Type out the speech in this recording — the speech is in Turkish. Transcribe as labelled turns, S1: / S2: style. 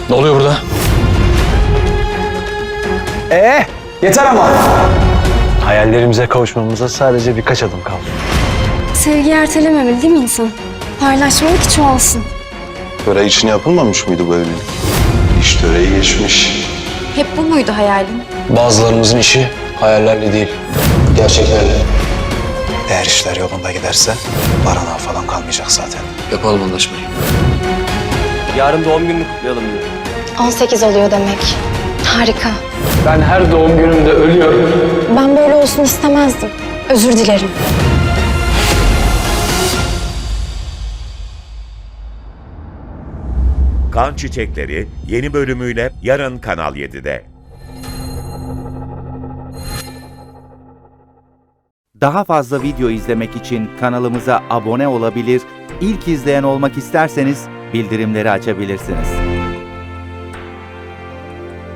S1: Ne oluyor burada?
S2: Yeter ama. Hayallerimize kavuşmamıza sadece birkaç adım kaldı.
S3: Sevgiyi ertelememeli değil mi insan? Paylaşmalı ki çoğalsın.
S4: Töre için yapılmamış mıydı bu evlilik? İş töreyi geçmiş.
S3: Hep bu muydu hayalin?
S1: Bazılarımızın işi hayallerle değil, gerçeklerle.
S2: Eğer işler yolunda giderse baranağı falan kalmayacak zaten.
S1: Yapalım anlaşmayı.
S5: Yarın doğum gününü kutlayalım diyor.
S3: 18 oluyor demek. Harika.
S5: Ben her doğum günümde ölüyorum.
S3: Ben böyle olsun istemezdim. Özür dilerim.
S6: Kan Çiçekleri yeni bölümüyle yarın Kanal 7'de.
S7: Daha fazla video izlemek için kanalımıza abone olabilir, ilk izleyen olmak isterseniz bildirimleri açabilirsiniz.